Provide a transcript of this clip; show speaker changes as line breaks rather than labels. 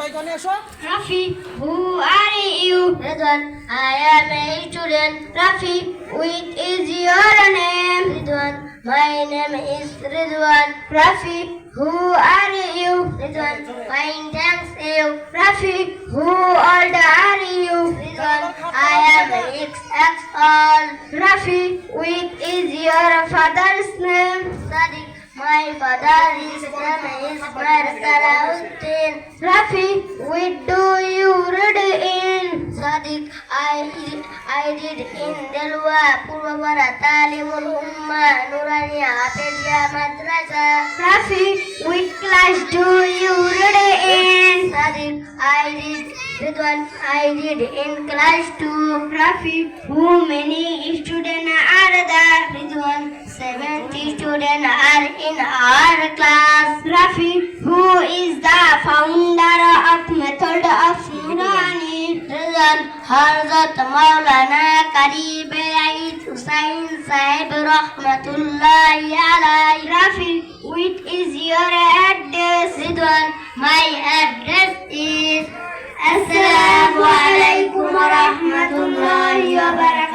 জনে এসো।
Rafi, who are you? Ridwan, I am a student. Rafi, which is your name? Ridwan, my name is Ridwan. Rafi, who are you? Ridwan, fine, thanks you. Rafi, who old are you? Ridwan, I am XX old. Rafi, which is your father's name? Sadiq, my father's name is Salahuddin. Rafi, what do you read in? Sadiq, I did in Delwa, Purwara, Talimul Umma, Nuraniya, Hafizia Madrasa. Rafi, which class do you read in? Sadiq, I did in class 2. Rafi, how many students are there? Ridwan, 70 students are in our class. Rafi, who is the founder of method of Nurani? Ridwan, Hazrat Maulana Qarib Eid Hussain Sahib Rahmatullahi alayhi. Rafi, which is your address? Ridwan, my address is Assalamu alaikum wa rahmatullahi wa barakatuh.